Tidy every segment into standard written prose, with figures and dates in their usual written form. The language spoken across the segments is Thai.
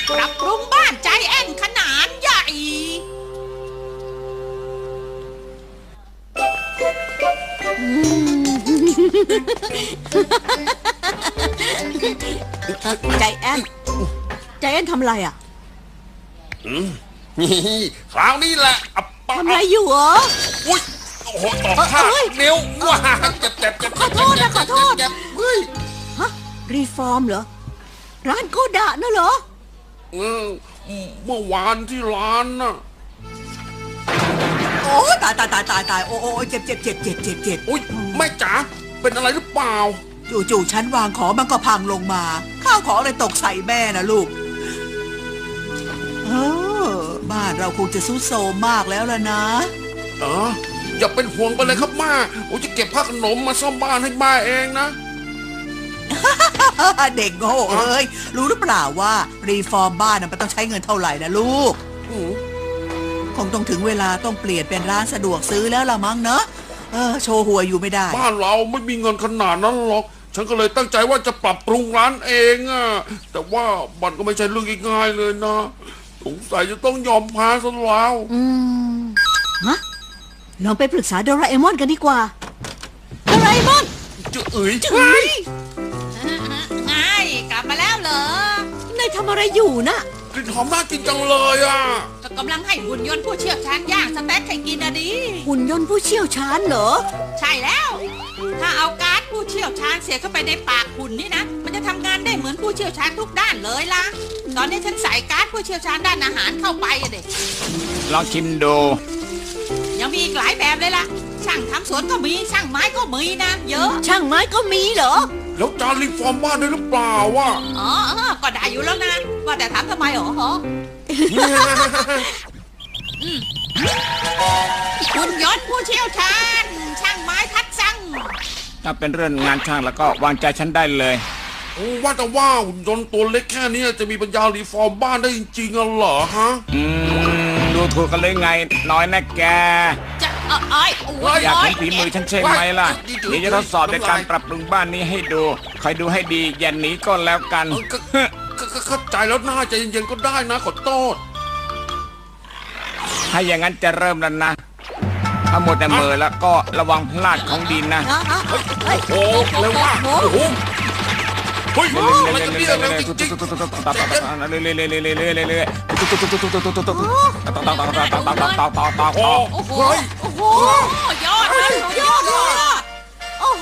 ปรับปรุงบ้านใจแอนขนาดใหญ่ใจแอนทำอะไรอ่ะนี่คราวนี้แหละทำอะไรอยู่เหรออุ้ยโอ้โหตอกข้านิ้วว้าเจ็บขอโทษเฮ้ยฮะรีฟอร์มเหรอร้านโกดะน่ะเหรอเมื่อวานที่ร้านน่ะโอ้ตายโอ้เจ็บอุ้ยแม่จ๋าเป็นอะไรหรือเปล่าจู่ๆฉันวางของมันก็พังลงมาข้าวของเลยตกใส่แม่นะลูกบ้านเราคงจะซุดโซมมากแล้วล่ะนะอย่าเป็นห่วงไปเลยครับม่าผมจะเก็บผ้าขนมมาซ่อมบ้านให้ม่าเองนะเด็กโง่เอ้ยรู้หรือเปล่าว่ารีฟอร์มบ้านมันต้องใช้เงินเท่าไหร่นะลูกคงต้องถึงเวลาต้องเปลี่ยนเป็นร้านสะดวกซื้อแล้วละมั้งเนอะโชว์หัวอยู่ไม่ได้บ้านเราไม่มีเงินขนาดนั้นหรอกฉันก็เลยตั้งใจว่าจะปรับปรุงร้านเองอะแต่ว่ามันก็ไม่ใช่เรื่องง่ายๆเลยนะสงสัยจะต้องยอมแพ้ซะแล้วฮะลองไปปรึกษาโดราเอมอนกันดีกว่าโดราเอมอนจื๋ยไงกลับมาแล้วเหรอนายทำอะไรอยู่น่ะกลิ่นหอมน่ากินจังเลยอ่ะกำลังให้หุ่นยนต์ผู้เชี่ยวชาญย่างสเต็กให้กินอะดิหุ่นยนต์ผู้เชี่ยวชาญเหรอใช่แล้วถ้าเอาการ์ดผู้เชี่ยวชาญเสียเข้าไปในปากหุ่นนี่นะมันจะทำงานได้เหมือนผู้เชี่ยวชาญทุกด้านเลยล่ะตอนนี้ฉันใส่การ์ดผู้เชี่ยวชาญด้านอาหารเข้าไปอะเด็กลองชิมดูยังมีอีกหลายแบบเลยล่ะช่างทำสวนก็มีช่างไม้ก็มีนะเยอะช่างไม้ก็มีเหรอแล้วจานรีฟอร์มบ้านได้หรือเปล่าวะก็ได้อยู่แล้วนะว่าแต่ถามทำไมหรอหุ่นยนต์ผู้เชี่ยวชาญช่างไม้ทัดสั่งถ้าเป็นเรื่องงานช่างแล้วก็วางใจฉันได้เลยว่าแต่ว่าหุ่นยนต์ตัวเล็กแค่นี้จะมีปัญญารีฟอร์มบ้านได้จริงๆเหรอฮะดูถูกกันเลยไงน้อยนะแกจะอยากเห็นฝีมือฉันใช่ไหมล่ะเดี๋ยวจะทดสอบในการปรับปรุงบ้านนี้ให้ดูคอยดูให้ดีอย่าหนีก็แล้วกันเข้าใจแล้วน่าใจเย็นๆก็ได้นะขอโทษถ้าอย่างนั้นจะเริ่มแล้วนะถ้าหมดแต่มือแล้วก็ระวังพลาดของดินนะโอ้เร็วมากโอ้โหเฮ้ยมันจะเบี้ยเร็วจริงๆยอดโอ้โห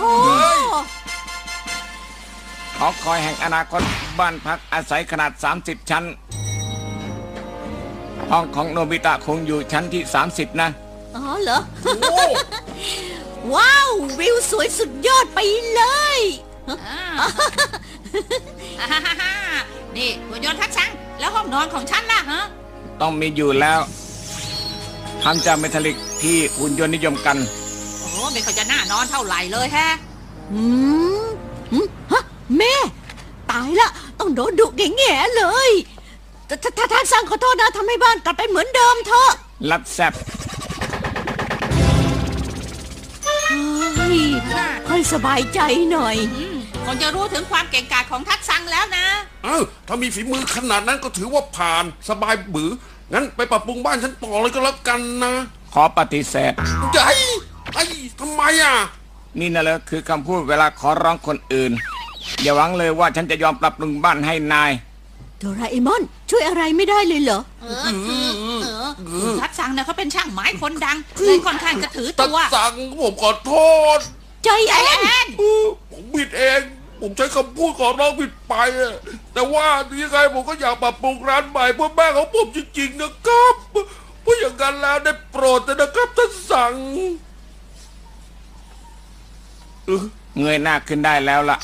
หอคอยแห่งอนาคตบ้านพักอาศัยขนาด30ชั้นห้องของโนบิตะคงอยู่ชั้นที่30นะเหรอว้าววิวสวยสุดยอดไปเลยนี่หุ่นยนต์ทัดสั่งแล้วห้องนอนของฉันล่ะฮะต้องมีอยู่แล้วทำจากเมทัลลิกที่หุ่นยนต์นิยมกันไม่ค่อยจะน่านอนเท่าไหร่เลยฮะแม่ตายละต้องโดนดุแง่ๆเลยถ้าท่านสั่งขอโทษนะทำให้บ้านกลับไปเหมือนเดิมเถอะรับแซบค่อยสบายใจหน่อยคงจะรู้ถึงความเก่งกาจของทัดสั่งแล้วนะถ้ามีฝีมือขนาดนั้นก็ถือว่าผ่านสบายบืองั้นไปปรับปรุงบ้านฉันต่อเลยก็แล้วกันนะขอปฏิเสธทำไมอ่ะนี่นะเลยคือคำพูดเวลาขอร้องคนอื่นอย่าหวังเลยว่าฉันจะยอมปรับปรุงบ้านให้นายโดราเอมอนช่วยอะไรไม่ได้เลยเหรอทัดสั่งเนี่ยเขาเป็นช่างไม้คนดังเลยค่อนข้างจะถือตัวทัดสั่งผมขอโทษใจแอนผมผิดเองผมใช้คำพูดขอร้องผิดไปแต่ว่ายังไงผมก็อยากปรับปรุงร้านใหม่เพื่อแม่ของผมจริงๆนะครับเพราะอย่างนั้นแล้วได้โปรดนะครับท่านสั่งเงยหน้าขึ้นได้แล้วล่ะ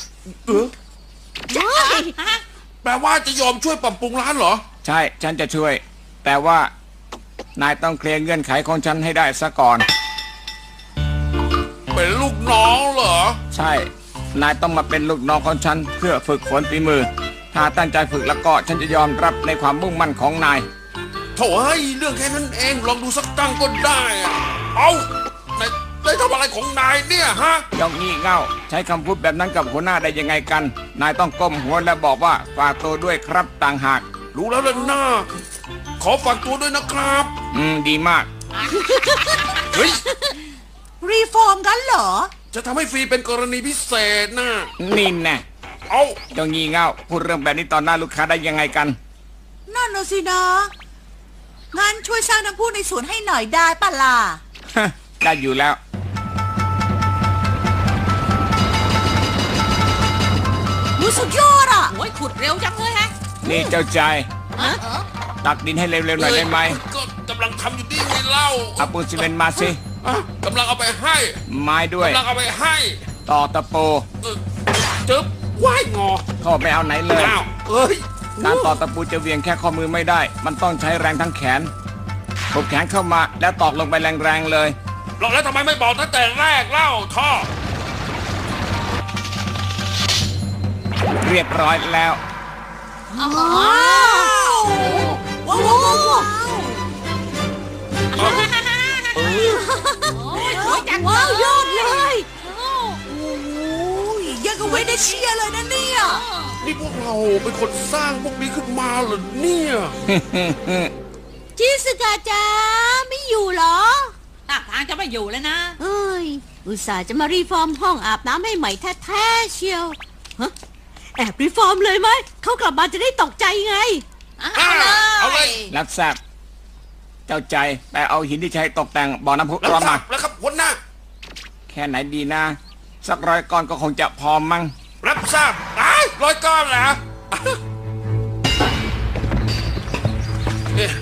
แปลว่าจะยอมช่วยปรับปรุงร้านเหรอใช่ฉันจะช่วยแต่ว่านายต้องเคลียร์เงื่อนไขของฉันให้ได้ซะก่อนเป็นลูกน้องเหรอใช่นายต้องมาเป็นลูกน้องของฉันเพื่อฝึกฝนฝีมือถ้าตั้งใจฝึกแล้วก็ฉันจะยอมรับในความมุ่งมั่นของนายโถ่เรื่องแค่นั้นเองลองดูสักตั้งก็ได้เอาได้ทำอะไรของนายเนี่ยฮะยองงี่เง่าใช้คำพูดแบบนั้นกับหัวหน้าได้ยังไงกันนายต้องก้มหัวและบอกว่าฝากตัวด้วยครับต่างหากรู้แล้วล่ะหน้าขอฝากตัวด้วยนะครับดีมากเฮ้ยรีฟอร์มกันเหรอจะทำให้ฟรีเป็นกรณีพิเศษนะนี่แน่เอาเจ้างี่เง่าพูดเรื่องแบบนี้ตอนหน้าลูกค้าได้ยังไงกันนั่นน่ะสินะงั้นช่วยสร้างน้ำพุในสวนให้หน่อยได้ปะล่ะได้อยู่แล้วรู้สุดยอดอ่ะโอ้ยขุดเร็วจังเลยฮะนี่เจ้าใจฮะตักดินให้เร็วๆหน่อยได้ไหมก็กำลังทำอยู่นี่ไงเล่าเอาปูนซีเมนต์มาสิอ่ะกำลังเอาไปให้ไม้ด้วยกำลังเอาไปให้ต่อตะปูจึ๊บว่ายงอโทษไม่เอาไหนเลยอ้าวเอ้ยการต่อตะปูจะเหวี่ยงแค่ข้อมือไม่ได้ มันต้องใช้แรงทั้งแขนปบแขนเข้ามาแล้วตอกลงไปแรงๆเลยแล้วทำไมไม่บอกตั้งแต่แรกเล่าท่อเรียบร้อยแล้วอ๋อว้าวว้าวว้าวว้าวโอ้ยสวยจังว้าวยอดเลยโอ้ยยังกับเวเนเชียเลยนะเนี่ยนี่พวกเราเป็นคนสร้างพวกนี้ขึ้นมาเหรอเนี่ยชิสกาจ้าไม่อยู่เหรอท่าทางจะไม่อยู่แล้วนะเอ้ย อุตส่าห์จะมารีฟอร์มห้องอาบน้ำให้ใหม่แท้ๆเชียวฮะแอบรีฟอร์มเลยไหม เขากลับมาจะได้ตกใจไงเอาเลยรับทราบเจ้าใจไปเอาหินที่ใช้ตกแต่งบ่อน้ำพุแล้วร้อนครัมาบแล้วครับหัวหน้าแค่ไหนดีนะ สัก100 ก้อนก็คงจะพอมั้งรับทราบร้อยก้อนเหรอเอ๊ะ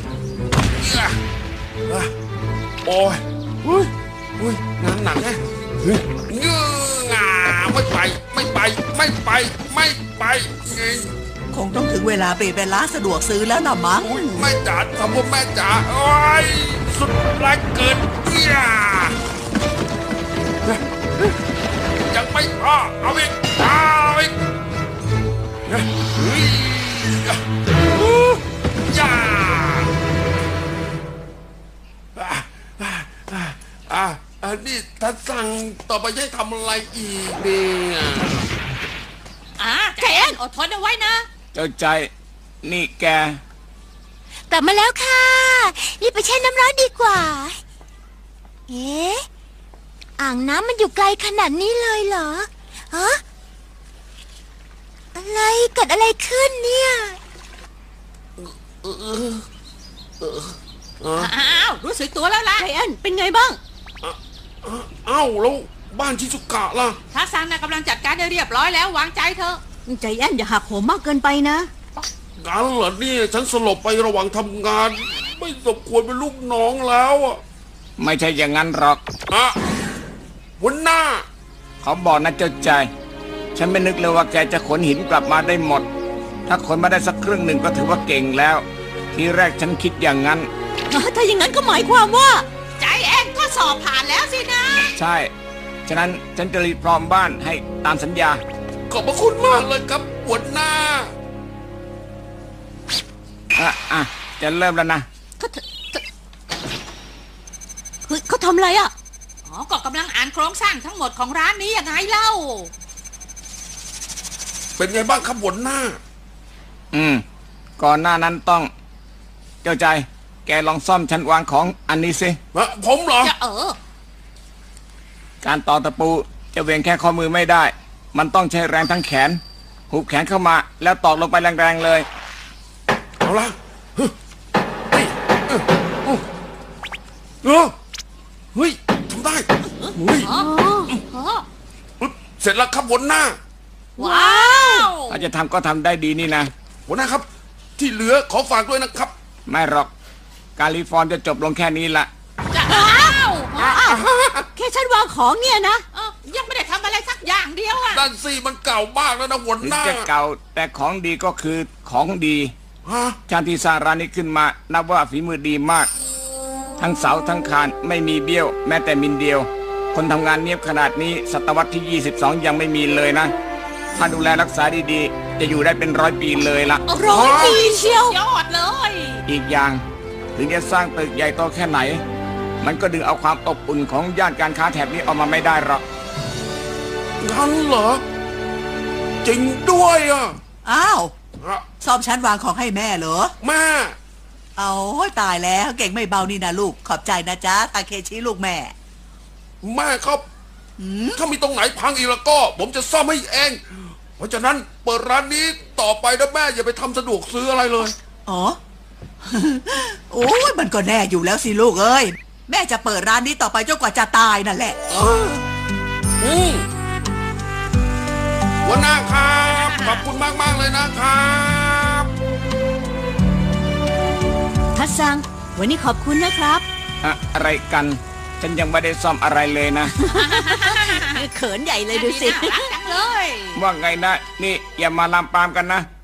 โอ้ยอุ้ยงานหนักแฮะเฮ้ยเงื้องาไม่ไปไม่ไปไม่ไปไม่ไปไงคงต้องถึงเวลาเปลี่ยนเป็นร้านสะดวกซื้อแล้วนะมั้งอุ้ยแม่จ๋าทำว่าแม่จ๋าโอ้ยสุดแรงเกินยังไม่พอเอาอีกเฮ้ยจ้าอันนี้ท่านสั่งต่อไปให้ทำอะไรอีกเนี่ยใจแอนอดทนเอาไว้นะเจ้าใจนี่แกกลับมาแล้วค่ะ รีบไปแช่น้ำร้อนดีกว่า เอ๊ะ อ่างน้ำมันอยู่ไกลขนาดนี้เลยเหรอ ฮะ อะไรเกิดอะไรขึ้นเนี่ยอ้าวรู้สึกตัวแล้วล่ะใจแอนเป็นไงบ้างเอ้าแล้วบ้านชิซุกะล่ะถ้าซังนะกำลังจัดการได้เรียบร้อยแล้ววางใจเถอะใจแอนอย่าหักโหมมากเกินไปนะงั้นเหรอเนี่ยฉันสลบไประหว่างทำงาน ไม่สมควรเป็นลูกน้องแล้วอ่ะไม่ใช่อย่างนั้นหรอกอะหัวหน้าเขาบอกนะเจ้าใจ ฉันไม่นึกเลยว่าแกจะขนหินกลับมาได้หมด ถ้าขนมาได้สักครึ่งหนึ่งก็ถือว่าเก่งแล้ว ทีแรกฉันคิดอย่างนั้นถ้าอย่างนั้นก็หมายความว่าใจแอนก็สอบผ่านแล้วสินะใช่ ฉะนั้นฉันจะรีบพร้อมบ้านให้ตามสัญญาขอบพระคุณมากเลยครับหัวหน้าจะเริ่มแล้วนะเฮ้ยเขาทำอะไรอ่ะอ๋อก็กำลังอ่านโครงสร้างทั้งหมดของร้านนี้ยังไงเล่าเป็นไงบ้างครับหัวหน้าก่อนหน้านั้นต้อง เจ้าใจ แกลองซ่อมชั้นวางของอันนี้สิผมเหรอจะการต่อตะปูจะเวียงแค่ข้อมือไม่ได้ มันต้องใช้แรงทั้งแขน หุบแขนเข้ามาแล้วตอกลงไปแรงๆเลยเอาละเฮ้ยเฮ้ยทำได้เฮ้ยเสร็จแล้วครับหัวหน้าว้าวถ้าจะทำก็ทำได้ดีนี่นะหัวหน้าครับ ที่เหลือขอฝากด้วยนะครับไม่หรอก การรีฟอร์มจะจบลงแค่นี้ละจะอ้าวแค่ฉันวางของเนี่ยนะยังไม่ได้ทำอะไรสักอย่างเดียวอ่ะด้านซี่มันเก่ามากแล้วนะหัวถึหงน้าจะเก่าแต่ของดีก็คือของดีฮะชาติที่สร้างร้านนี้ขึ้นมานับว่าฝีมือดีมาก ทั้งเสาทั้งคานไม่มีเบี้ยวแม้แต่มิลเดียว คนทำงานเนียบขนาดนี้ศตวรรษที่ 22 ยังไม่มีเลยนะ ถ้าดูแลรักษาดีๆ จะอยู่ได้เป็น100 ปีเลยละ 100 ปีเชียวยอดเลยอีกอย่างถึงจะสร้างตึกใหญ่โตแค่ไหน มันก็ดึงเอาความอบอุ่นของย่านการค้าแถบนี้ออกมาไม่ได้หรอกงั้นเหรอ จริงด้วยอ่ะอ้าวฮะสซ่อมชั้นวางของให้แม่เหรอแม่เอาตายแล้วเก่งไม่เบานี่นะลูกขอบใจนะจ๊ะทาเคชิลูกแม่แม่ครับ ถ้ามีตรงไหนพังอีกแล้วก็ ผมจะซ่อมให้เอง เพราะฉะนั้นเปิดร้านนี้ต่อไปนะแม่อย่าไปทำสะดวกซื้ออะไรเลยอ๋อ โอ้ยมันก็แน่อยู่แล้วสิลูกเอ้ยแม่จะเปิดร้านนี้ต่อไปจนกว่าจะตายนั่นแหละหัวหน้าครับขอบคุณมากๆเลยนะครับทัศซัง วันนี้ขอบคุณนะครับอะไรกัน ฉันยังไม่ได้ซ่อมอะไรเลยนะเขินใหญ่เลยดูสิน่ารักจังเลยว่าไงนะ นี่อย่ามาลามปามกันนะ